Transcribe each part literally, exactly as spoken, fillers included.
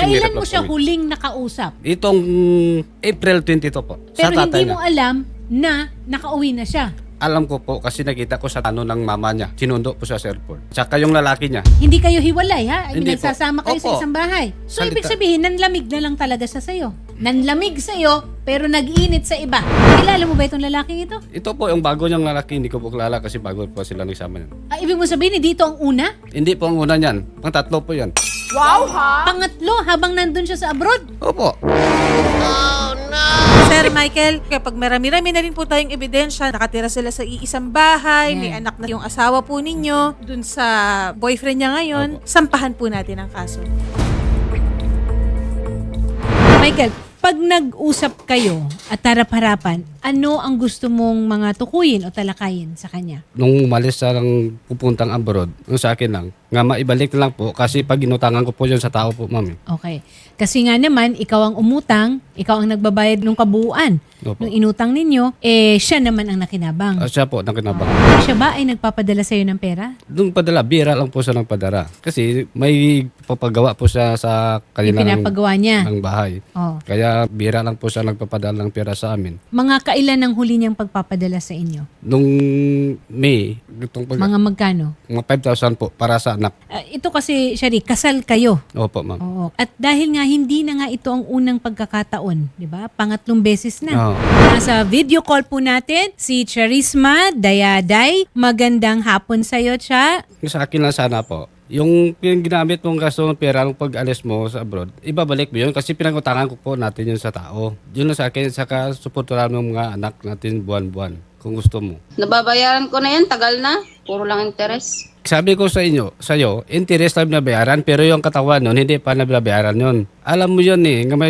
Kailan hirap mo lang siya kami. huling nakausap? Itong April twenty-two po. Pero sa tatay hindi mo niya. alam na nakauwi na siya. Alam ko po kasi nakita ko sa ano ng mama niya. Sinundo po sa airport. Tsaka yung lalaki niya. Hindi kayo hiwalay, ha? I mean, Hindi po. nagsasama kayo sa Opo. isang bahay. So, Salita. ibig sabihin, nanlamig na lang talaga siya sa'yo. Nanlamig sa'yo, pero nag-init sa iba. Kilala mo ba itong lalaking ito? Ito po yung bago niyang lalaki. Hindi ko po kilala kasi bago po sila nagsama niyan. Ah, ibig mo sabihin, hindi ito ang una? Hindi po ang una niyan. Pang tatlo po yan. Pangatlo, habang nandun siya sa abroad? Opo. Sir Michael, kapag marami-rami na rin po tayong ebidensya, nakatira sila sa iisang bahay, Yeah. may anak na yung asawa po ninyo, dun sa boyfriend niya ngayon, Opo. sampahan po natin ang kaso. Michael, pag nag-usap kayo at harap-harapan, ano ang gusto mong mga tukuyin o talakayin sa kanya? Nung umalis sa lang pupuntang abroad, yung sa akin lang, nga maibalik na lang po kasi pag inutangan ko po yun sa tao po, mami. Okay. Kasi nga naman, ikaw ang umutang, ikaw ang nagbabayad ng kabuuan. Opo. Nung inutang ninyo, eh siya naman ang nakinabang. Ah, siya po, nakinabang. Siya ba ay nagpapadala sa'yo ng pera? Nung padala, bira lang po siya ng padala. Kasi may papagawa po siya sa Yung kanilang pinapagawa niya? ng bahay. Oh. Kaya bira lang po siya nagpapadala ng pera sa amin. Mga kailan ang huli niyang pagpapadala sa inyo? Nung May, itong pag, mga, Mga magkano? five thousand po para sa anak. Ah, ito kasi, Shari, kasal kayo. Opo, ma'am. Oo. At dahil nga hindi na nga ito ang unang pagkakataon, di ba? Pangatlong beses na. Oo. Nasa video call po natin si Charisma Dayaday. Magandang hapon sa iyo, Cha. Yung sa akin lang sana po, yung, yung ginamit mong gasto ng pera nung pag-alis mo sa abroad, ibabalik mo yun kasi pinag-utangan ko po natin yun sa tao. Yun lang sa akin, saka suportahan ng mga anak natin buwan-buwan kung gusto mo. Nababayaran ko na yan, tagal na. Puro lang interes. Sabi ko sa inyo, sa iyo, interest lang nabayaran pero yung katawan nun, hindi pa nabayaran yun. Alam mo yun eh, nga may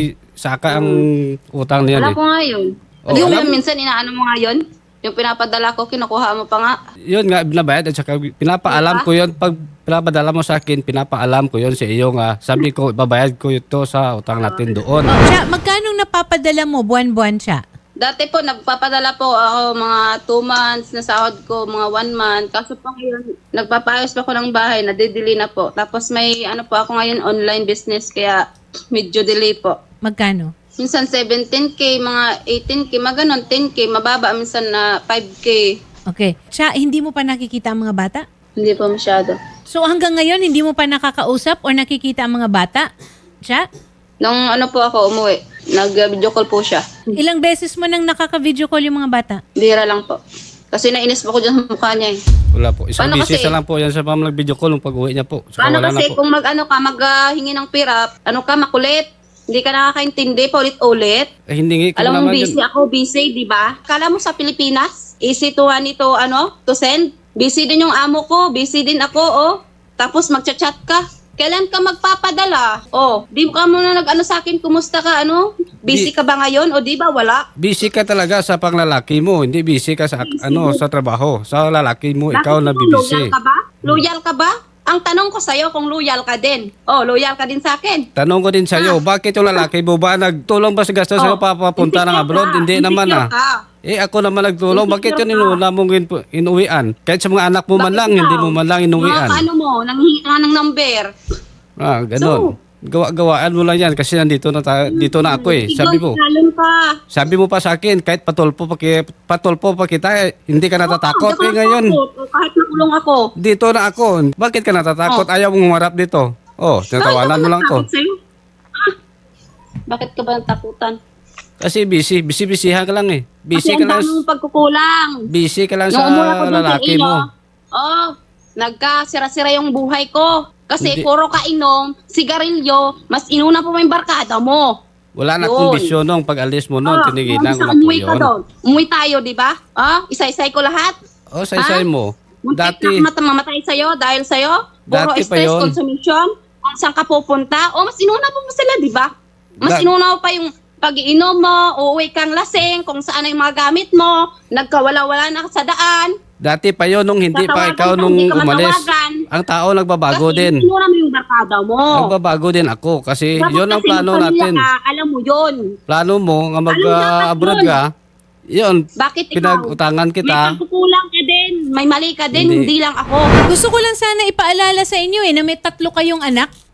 saka ang utang niyan Wala eh. ko nga yun. Oh, yung alam- minsan inaano mo nga yun, yung pinapadala ko, kinukuha mo pa nga. Yun nga, binabayad at saka pinapaalam ko yun. Pag pinapadala mo sa akin, pinapaalam ko yun sa iyo nga. Sabi ko, ibabayad ko ito sa utang natin doon. Oh, Cha, magkano napapadala mo buwan-buwan, Cha? Dati po, nagpapadala po ako mga two months na sahod ko, mga one month. Kaso po ngayon, nagpapayos pa ako ng bahay, nadidili na po. Tapos may ano po ako ngayon, online business, kaya medyo delay po. Magkano? Minsan seventeen K, mga eighteen K, mga ganon, ten K, mababa minsan na five K. Okay. Cha, hindi mo pa nakikita ang mga bata? Hindi po masyado. So hanggang ngayon, hindi mo pa nakakausap o nakikita ang mga bata? Cha? Nung ano po ako umuwi, nag-video call po siya. Ilang beses mo nang nakaka-video call yung mga bata? Bira lang po. Kasi nainis po ko dyan sa mukha niya eh. Wala po. Isang Paano beses kasi? na lang po yan sa pamang video call nung pag-uwi niya po. Saka Paano wala kasi na po. kung mag-ano ka, mag-hingi ng pira, ano ka, makulit. Hindi ka nakakaintindi, paulit-ulit. Eh, hindi ko Alam mo, naman busy yun. ako, busy, di ba? Kala mo sa Pilipinas, easy to ano ito, ano, to send. Busy din yung amo ko, busy din ako, oh. Tapos magchat-chat ka. Kailan ka magpapadala? Oh, di ka muna nag-ano sa akin, kumusta ka, ano? Busy Di- ka ba ngayon? O di ba, wala? Busy ka talaga sa panglalaki mo. Hindi busy ka sa ano sa trabaho. Sa lalaki mo, ikaw na Bakit bibisi. Loyal ka ba? Loyal ka ba? Ang tanong ko sa'yo kung loyal ka din. Oh, loyal ka din sa akin. Tanong ko din sa iyo, bakit yung lalaki mo ba nagtulong ba sa gastos Ah. Oh, sa'yo papapunta ng insecure abroad? ka. Hindi naman Insecure ah. ka. Eh ako naman nagtulong. Bakit Insecure yun ka. inuna mong in- inuwian? Kahit sa mga anak mo man Bakit lang, ikaw? hindi mo man lang inuwian. Mga ano mo, nanghihingi ka ng number. Ah, ganun. Gawa-gawaan mo lang yan kasi nandito na, ta- dito na ako eh. Sabi mo. Salon ka. Sabi mo pa sa akin, kahit patulpo pa, ki- patulpo pa kita, eh, hindi ka natatakot. Oo, Eh ngayon, natatakot. Kahit nakulong ako. dito na ako. Bakit ka natatakot? Ayaw mong humarap dito. Oh, tinatawanan mo lang ko. Bakit sa'yo? Ah, Bakit ka ba natakutan? Kasi busy, busy-busyhan ka lang eh. Busy Kasi ka ang lang, dami mong pagkukulang. busy ka lang Nung sa umula ko dun sa lalaki iyo, mo. oh, nagkasira-sira yung buhay ko. Kasi Hindi. puro kainom, sigarilyo, mas inuna po yung barkada mo. Wala na Yun. kondisyon nung pag-alis mo noon, Ah, tinigilan ko kung na po umuwi ka yun. doon. Umuwi tayo, di ba? Ah, isa-isay ko lahat. Oh, say-say Ha? mo. Muntik Dati, na mat- mamatay sa'yo dahil sa'yo. Puro Dati pa stress, yun. consumption. Kung saan ka pupunta. O, mas inuna po mo sila, di ba? Mas Da- inuna mo pa yung pag-iinom mo, uuwi kang lasing, kung saan ang mga gamit mo, nagkawala-wala na sa daan. dati pa yun nung hindi pa Tatawagan ikaw ka, nung hindi ka umalis. matawagan. Ang tao nagbabago Kasi din. inuna mo yung barkada mo. Nagbabago din ako kasi Dapat yun ang kasi plano magpamilya natin. Ka, alam mo yun. Plano mo nga Ano dapat mag-abroad yun? ka, yun, Bakit ikaw? pinag-utangan May kita. pagkukulang ka din. May mali ka din, Hindi. hindi, lang ako. Gusto ko lang sana ipaalala sa inyo eh na may tatlo kayong anak.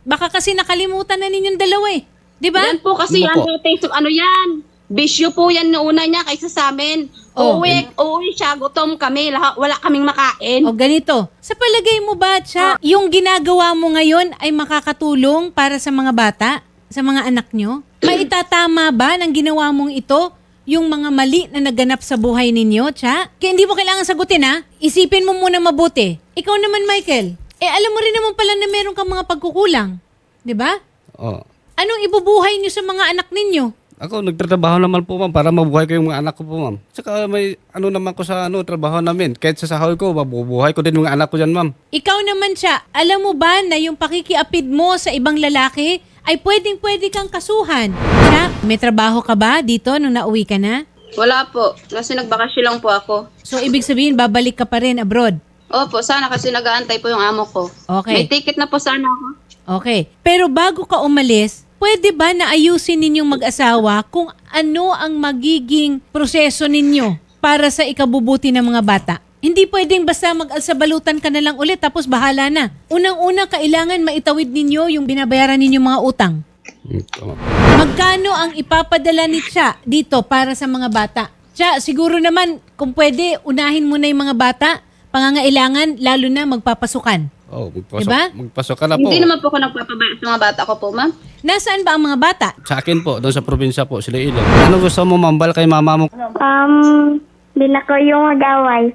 Baka kasi nakalimutan na ninyong dalawa eh. Di ba? Yan po kasi Ano yan, po? dati, so, ano yan? Bisyo po yan noona niya kaysa sa amin. Oh. Uuwi, uuwi siya, gutom kami, lahat, wala kaming makain. O ganito, sa palagay mo ba, Cha, yung ginagawa mo ngayon ay makakatulong para sa mga bata, sa mga anak nyo? Maitatama ba ng ginawa mong ito yung mga mali na naganap sa buhay ninyo, Cha? Kaya hindi mo kailangan sagutin, ha? Isipin mo muna mabuti. Ikaw naman, Michael, eh alam mo rin naman pala na meron kang mga pagkukulang. Di ba? Oh. Anong ibubuhay nyo sa mga anak ninyo? Ako, nagtatrabaho naman po, ma'am, para mabuhay ko yung mga anak ko po, ma'am. Saka may ano naman ko sa ano, trabaho namin. Kahit sa sahod ko, mabubuhay ko din yung mga anak ko dyan, ma'am. Ikaw naman siya, alam mo ba na yung pakikiapid mo sa ibang lalaki ay pwedeng-pwede kang kasuhan? Siya, may trabaho ka ba dito nung nauwi ka na? Wala po, kasi nagbakasyon lang po ako. So, ibig sabihin, babalik ka pa rin abroad? Opo, sana kasi nag-aantay po yung amo ko. Okay. May ticket na po sana ako. Okay. Pero bago ka umalis, pwede ba na ayusin ninyong mag-asawa kung ano ang magiging proseso ninyo para sa ikabubuti ng mga bata? Hindi pwedeng basta mag-alsabalutan ka na lang ulit tapos bahala na. Unang-una, kailangan maitawid ninyo yung binabayaran ninyong mga utang. Hmm, tama. Magkano ang ipapadala ni Cha dito para sa mga bata? Cha, siguro naman kung pwede, unahin mo na yung mga bata, pangangailangan, lalo na magpapasukan. Oh, magpasok, Diba? magpasok ka na po. Hindi naman po ako nagpapabaya sa mga bata ko po, ma'am. Nasaan ba ang mga bata? Sa akin po, doon sa probinsya po, sila Ilo. Ano gusto mo, mambal kay mama mo? Um, di na ko yung mag-away.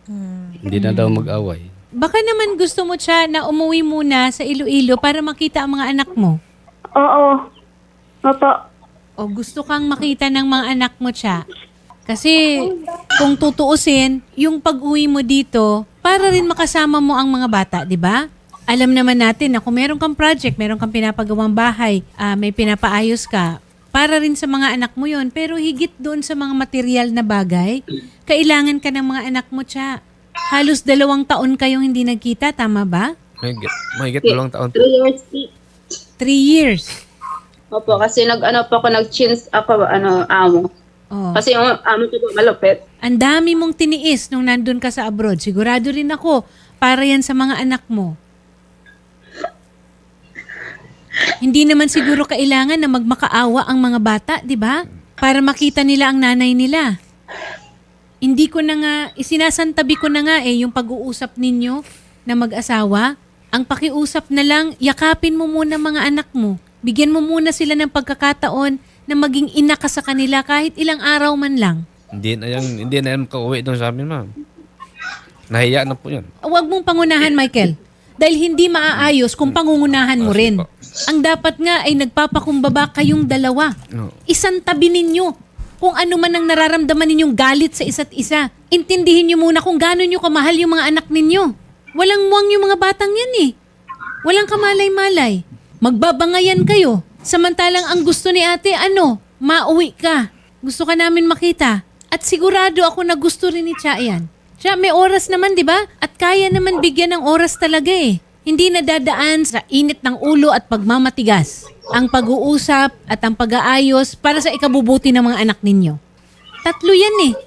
Hindi na daw mag-away. Baka naman gusto mo, Cha, na umuwi muna sa Iloilo para makita ang mga anak mo. Oo. Opo. O gusto kang makita ng mga anak mo, Cha. Kasi kung tutuusin, yung pag-uwi mo dito, para rin makasama mo ang mga bata, di ba? Alam naman natin na kung meron kang project, meron kang pinapagawang bahay, ah, may pinapaayos ka, para rin sa mga anak mo yon. Pero higit doon sa mga material na bagay, kailangan ka ng mga anak mo, Cha. Halos dalawang taon kayong hindi nagkita, tama ba? Mahigit, mahigit dalawang taon. Three years. Three years. Opo, kasi nag-ano po ako, nag-chins ako, ano, amo. Oh. Kasi yung amo ko po malupit. Ang dami mong tiniis nung nandun ka sa abroad. Sigurado rin ako, para yan sa mga anak mo. Hindi naman siguro kailangan na magmakaawa ang mga bata, di ba? Para makita nila ang nanay nila. Hindi ko na nga, isinasantabi ko na nga eh, yung pag-uusap ninyo na mag-asawa. Ang pakiusap na lang, yakapin mo muna mga anak mo. Bigyan mo muna sila ng pagkakataon na maging ina ka sa kanila kahit ilang araw man lang. Hindi na yan, hindi na yan makauwi doon sa amin, ma'am. Nahiya na po yan. Huwag mong pangunahan, Michael. Dahil hindi maaayos kung pangungunahan mo rin. Ang dapat nga ay nagpapakumbaba kayong dalawa. No. Isang tabi ninyo. Kung ano man ang nararamdaman ninyong galit sa isa't isa. Intindihin nyo muna kung gaano nyo kamahal yung mga anak ninyo. Walang muwang yung mga batang yan eh. Walang kamalay-malay. Magbabangayan kayo. Samantalang ang gusto ni ate, ano? Mauwi ka. Gusto ka namin makita. At sigurado ako na gusto rin ni Cha yan. Siya, may oras naman, di ba? At kaya naman bigyan ng oras talaga eh. Hindi nadadaan sa init ng ulo at pagmamatigas. Ang pag-uusap at ang pag-aayos para sa ikabubuti ng mga anak ninyo. Tatlo yan eh.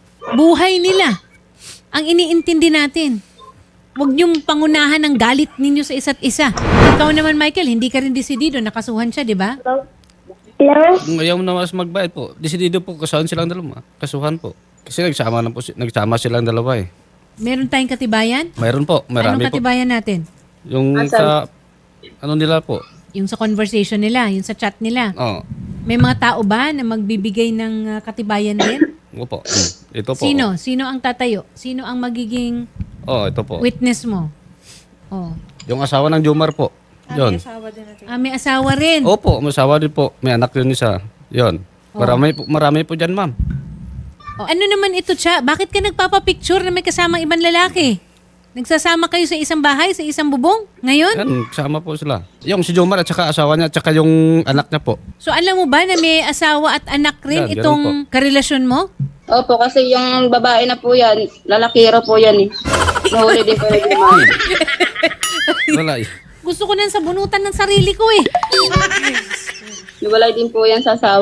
Buhay nila. Ang iniintindi natin. Huwag niyong pangunahan ng galit ninyo sa isa't isa. Ikaw naman, Michael, hindi ka rin desidido. Nakasuhan siya, di ba? Hello? Kung ayaw mo na mas magbayad po, desidido po, kasuhan silang dalawa. Kasuhan po. Kasi nagsama, na po, si- nagsama silang dalawa eh. Meron tayong katibayan? Mayroon po, Anong marami po. katibayan natin? Yung sa, ano nila po. Yung sa conversation nila, yung sa chat nila. Oo. May mga tao ba na magbibigay ng uh, katibayan din? Opo. Mm. Ito po. Sino? Sino ang tatayo? Sino ang magiging Oh, ito po. witness mo? Oh. Yung asawa ng Jomar po. Yon. Ah, may asawa rin. Opo, may asawa din po. May anak rin isa. Yon. Marami po, marami po dyan, ma'am. Oh, ano naman ito, Cha? Bakit ka nagpapapicture na may kasamang ibang lalaki? Nagsasama kayo sa isang bahay, sa isang bubong? Ngayon? Yan, kasama po sila. Yung si Jomar at saka asawa niya at saka yung anak niya po. So alam mo ba na may asawa at anak rin Yan, ganun itong karelasyon mo? Opo, kasi yung babae na po yan, lalakiro po yan eh. Nahuli din po yung ma'am. Wala eh. Gusto ko nang sabunutan ng sarili ko eh. Niwalay din po yan sa asawa.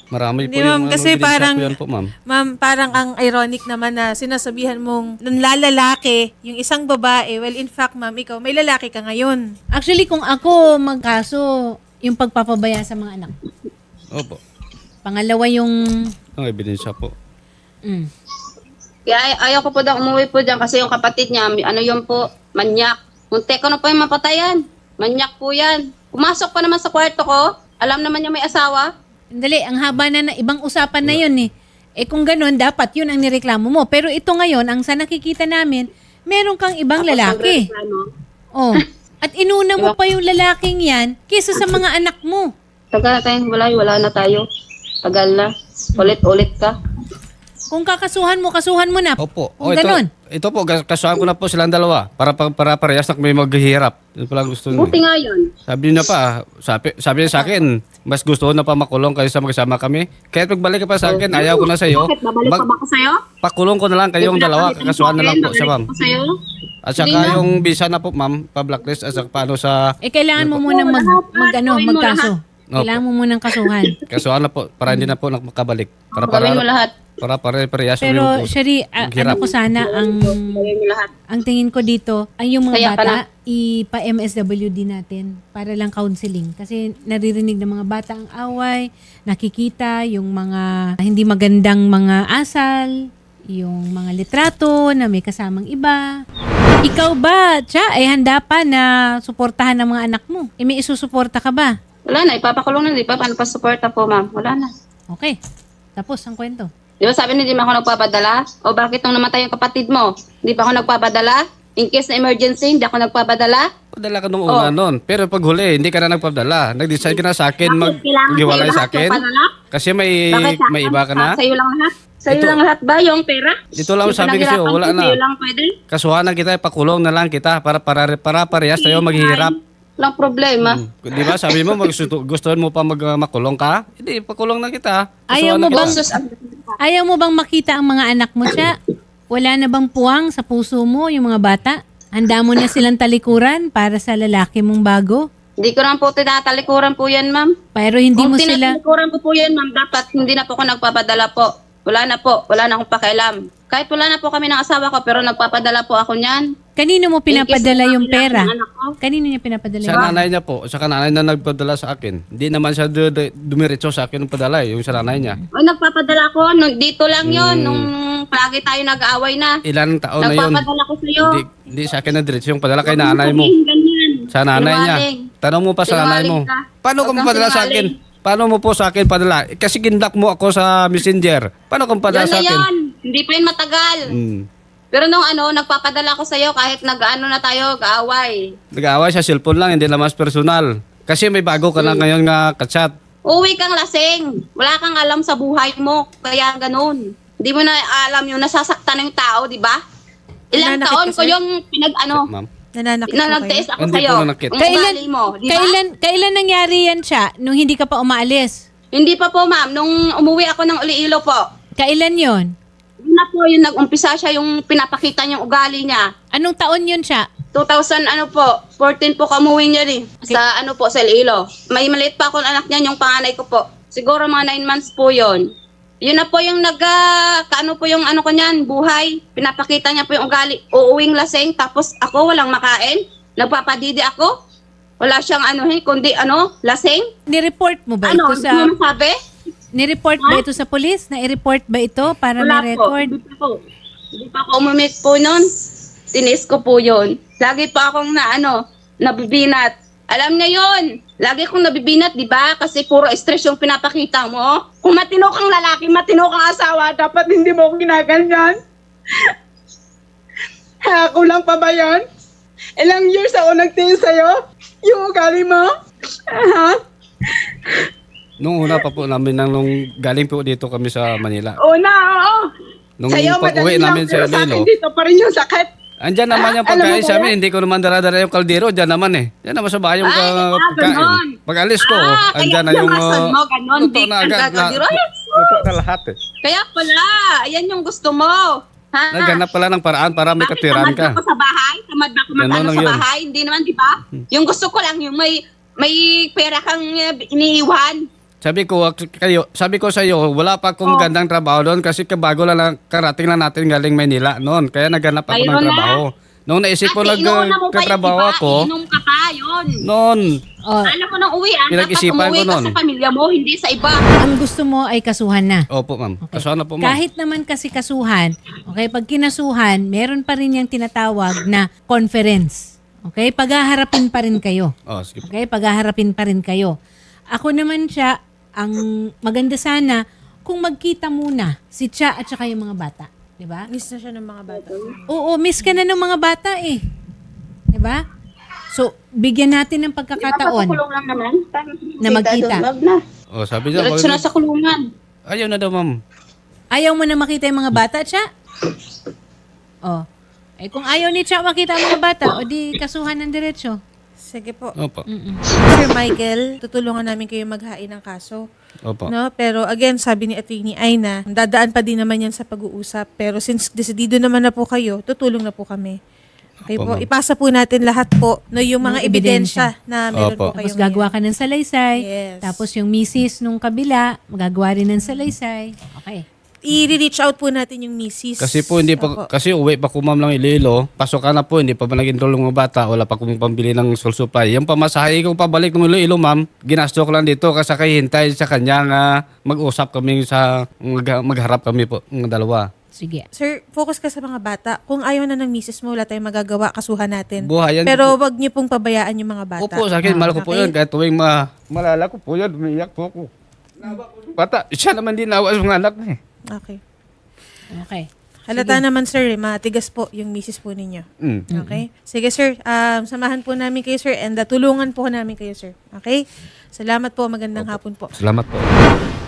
Marami po Hindi, ma'am, yung kasi ano, ebidensya parang- po yan po, ma'am. Ma'am, parang ang ironic naman na sinasabihan mong nanlalalaki yung isang babae. Well, in fact, ma'am, ikaw, may lalaki ka ngayon. Actually, kung ako magkaso, yung pagpapabaya sa mga anak. Opo. Pangalawa yung... Ang ebidensya po. Mm. Kaya ay- ayaw ko po daw umuwi po dyan kasi yung kapatid niya, may- ano yun po, manyak. Munti ko na po yung mapatayan. Manyak po yan. Pumasok pa naman sa kwarto ko. Alam naman niya may asawa. Dali, ang haba na, na ibang usapan na yun eh. Eh kung ganun, dapat yun ang nireklamo mo. Pero ito ngayon, ang sa nakikita namin, meron kang ibang Tapos lalaki. nagreklamo. Oh. At inuna mo pa yung lalaking yan kaysa sa mga anak mo. Tagal na tayong wala, wala na tayo. Tagal na. Ulit-ulit ka. Kung kakasuhan mo, kasuhan mo na. Opo. Kung O, ito, ganun. ito po, gas- kasuhan ko na po silang dalawa para pa- para parehas na may maghihirap. Yun pala gusto niya. Buti nga yun. Sabi niya pa, sabi, sabi niya sa akin, mas gusto ko na pa makulong kaysa magkasama kami. Kaya pagbalik ka pa sa akin, ayaw ko na sa iyo. Bakit? Babalik pa ba ako sa'yo? Pakulong ko na lang kayong dalawa, kakasuhan na lang po siya, ma'am. Babalik ako sa'yo? At saka Hindi na. yung visa na po, ma'am, pa-blacklist at saka paano sa Eh kailangan mo munang mag, mag ano, Gawin mo magkaso. Opo. Kailangan mo munang kasuhan. kasuhan na po para hindi na po makabalik. Para para Gawin mo lahat. para para parehas Pero yung Shari, a- Maghirap. ano ko sana ang Gawin mo lahat. ang tingin ko dito ay yung mga Kaya bata pala- ipa-M S W D natin para lang counseling kasi naririnig ng mga bata ang away, nakikita yung mga hindi magandang mga asal, yung mga litrato na may kasamang iba. Ikaw ba, Cha, ay handa pa na suportahan ng mga anak mo? E may isusuporta ka ba? Wala na, ipapakulong na, di ba? Paano pa suporta po, ma'am? Wala na. Okay. Tapos ang kwento. Di ba sabi niya, di ba ako nagpapadala? O bakit nung namatay yung kapatid mo? Di ba ako nagpapadala? In case na emergency, hindi ako nagpapadala? Padala ka nung una Oh. noon. Pero pag huli, hindi ka na nagpadala. Nag-decide ka na sa akin, Bakit? Kailangan mag-iwalay sa'yo sa lahat akin. yung padala? Kasi may Bakit sa may akin? iba ka na. Ah, sa'yo lang lahat? Sa'yo Ito- lang lahat ba yung pera? Ito lang Yung sabi ko sa'yo, pinaghirapan wala ko, na. Sa'yo lang pwede? Kasuhan na kita, pakulong na lang kita para para para parehas tayo maghihirap. Walang problema. Hmm. Di ba sabi mo magsusto, gusto mo pa mag, uh, makulong ka? Hindi, pakulong na kita. Ayaw Kasuhan mo na kita. bang- Sus, ang- Ayaw mo bang makita ang mga anak mo, Cha? Wala na bang puwang sa puso mo yung mga bata? Handa mo na silang talikuran para sa lalaki mong bago? Hindi ko lang po tinatalikuran po yan, ma'am. Pero hindi Kung mo sila... tinatalikuran ko po yan, ma'am, dapat hindi na po ako nagpapadala po. Wala na po. Wala na akong pakialam. Kahit wala na po kami ng asawa ko, pero nagpapadala po ako niyan. Kanino mo pinapadala In case na yung pera? kailangan ng anak ko. Kanino niya pinapadala Sa yung nanay niya po, sa nanay na nagpadala sa akin. Hindi naman siya du- du- dumiretso sa akin ng padala, eh, yung sa nanay niya. O, nagpapadala ko. Nung, dito lang yon Hmm. nung palagi tayo nag-aaway na. Ilan taon na yun? Nagpapadala ko sa'yo. Hindi, hindi sa akin na diretso yung padala kay nanay mo. Sabihin ganyan. Sa nanay niya. Sinungaling. Tanong mo pa sa nanay mo. Sinungaling ka. Paano Huwag kung kang padala sa akin? sinungaling. Paano mo po sa akin padala? Eh, Kasi gindak mo ako sa messenger. Paano kung padala Yan sa na akin? yan. Hindi pa yun matagal. Hmm. Pero nung ano, nagpapadala ko sa'yo kahit nag-ano na tayo, kaaway. Nag-aaway sa cellphone lang, hindi naman personal. Kasi may bago ka na Hmm. ngayon nga kachat. Uwi kang lasing. Wala kang alam sa buhay mo. Kaya ganun. Hindi mo na alam yung nasasaktan ng tao, di ba? Ilang Nananakit taon ka, ko sir? yung pinag, ano, Ma'am. Nananakit na po kayo? nagtiis ako Hindi sa'yo. po nanakit. Ang Kailan, ugali mo, di ba? kailan, kailan nangyari yan, Cha? Nung hindi ka pa umaalis? Hindi pa po, ma'am. Nung umuwi ako ng Iloilo po, Kailan yon? yun na po yung nag-umpisa siya yung pinapakita niyang ugali niya. Anong taon yun, Cha? two thousand ano po, fourteen po kamuwi niya rin. Sa ano po, sa Iloilo. May maliit pa akong anak niya, yung panganay ko po. Siguro mga nine months po yon. Yun na po yung nag, ah, kaano po yung ano ko niyan, buhay. Pinapakita niya po yung ugali. Uuwing laseng, tapos ako walang makain. Nagpapadidi ako. Wala siyang ano, eh, kundi ano, laseng. Ni-report mo ba Ano, ito sa... ano sabi? Ni-report ba ito sa police? Na-report ba ito para Wala may po. record? Hindi pa po. Hindi pa ako umimik po nun. Tinis ko po yun. Lagi pa akong na ano, nabibinat. Alam niya yun. Lagi akong nabibinat, di ba? Kasi puro stress yung pinapakita mo. Kung matino kang lalaki, matino kang asawa, dapat hindi mo ako ginaganyan. Ha, kulang pa ba yan? Ilang years ako nagtingin sa'yo? Yung ugali mo? Ha? Nung una pa po namin, nang, nung galing po dito kami sa Manila. Una, oo. Nung Sa'yo, pag-uwi madali lang, namin sa pero sa akin Iloilo, dito pa rin yung sakit. andyan naman yung Ah, alam mo pagkain ba sa yan? amin. Hindi ko naman dala-dala yung kaldero. Diyan naman eh. Diyan naman sa bahay yung Ay, ka- ah, pagkain. ganon. Pag alis ko, Ah, andyan na kaya yung... yung uh, mo, ganon, luto di na ang agad. gagawin. La- Yes. Luto na lahat eh. Kaya pala, ayan yung gusto mo. Ha? Naghanap pala ng paraan para may Bakit katiran tamad ka. ako sa bahay? Tamad ba ako Ganon mag-ano lang sa yun. bahay? Hindi naman, di ba? Yung gusto ko lang, yung may may pera kang uh, iniiwan. Sabi ko kayo, sabi ko sa iyo, wala pa akong Oh. gandang trabaho doon kasi kabago lang lang- karating lang natin galing Maynila noon. Kaya naghanap ako ng Mayroon na. trabaho. Noong naisip ko Ate, inuuna mo pa yung nagtatrabaho iba, ako, inom ka pa, yun. noon, Oh, Alam mo nang uwian, dapat Pinag-isipan umuwi ko ka nun. sa pamilya mo, hindi sa iba. ang gusto mo ay kasuhan na. opo ma'am, Okay. kasuhan na po ma'am. Kahit naman kasi kasuhan, okay, pag kinasuhan, meron pa rin yung tinatawag na conference. Okay? Paghaharapin pa rin kayo. Oh, sige po. Okay? Paghaharapin pa rin kayo. Ako naman siya, ang maganda sana kung magkita muna si Cha at saka yung mga bata. Di ba? Miss na siya ng mga bata. Oo, miss ka na ng mga bata eh. Di ba? So, bigyan natin ng pagkakataon. Kulong lang naman. Na magkita. Love na. Oh, sabi niya, Diretso na wag- sa kulungan. ayaw na daw ma'am. Ayaw mo na makita yung mga bata, Cha? Oh. Eh kung ayaw ni Cha makita ang mga bata, o di kasuhan ng diretsyo. Sige po. Opo. Sir Michael, tutulungan namin kayo maghain ng kaso. Opo. No, pero again, sabi ni Atty. Aina, dadaan pa din naman yan sa pag-uusap. Pero since desidido naman na po kayo, tutulong na po kami. Okay Opo, po, ma'am. ipasa po natin lahat po no, yung mga Mga ebidensya na meron Opo. po kayo Tapos gagawa ka ng salaysay. Yes. Tapos yung misis nung kabila, magagawa rin ng salaysay. Okay. I-reach out po natin yung misis. Kasi po hindi Opo. pa kasi uwi pa ko ma'am lang Iloilo. Pasok ka na po, hindi pa ba nag-enroll ng mga bata, wala pa akong pambili ng school supply. Yung pamasahe ko pabalik ng Iloilo ma'am, ginasto ko lang dito kasi kay hintay sa kanya nga mag-usap kami sa mag- magharap kami po ng dalawa. Sige. Sir, focus ka sa mga bata. Kung ayaw na ng misis mo, wala tayong magagawa, kasuhan natin. Buhayan Pero po. wag niyo pong pabayaan yung mga bata. Opo, sa akin, Ah, mahal ko po okay? yun. Kahit tuwing ma malala ko po yun, umiiyak po ako. Bata, siya naman din nawa sa mga anak na eh. Okay. Okay. Halata naman sir, eh, matigas po yung misis po ninyo. Mm. Okay? Sige sir, um, samahan po namin kayo sir and uh, tulungan po namin kayo sir. Okay? Salamat po, magandang hapon po. Salamat po.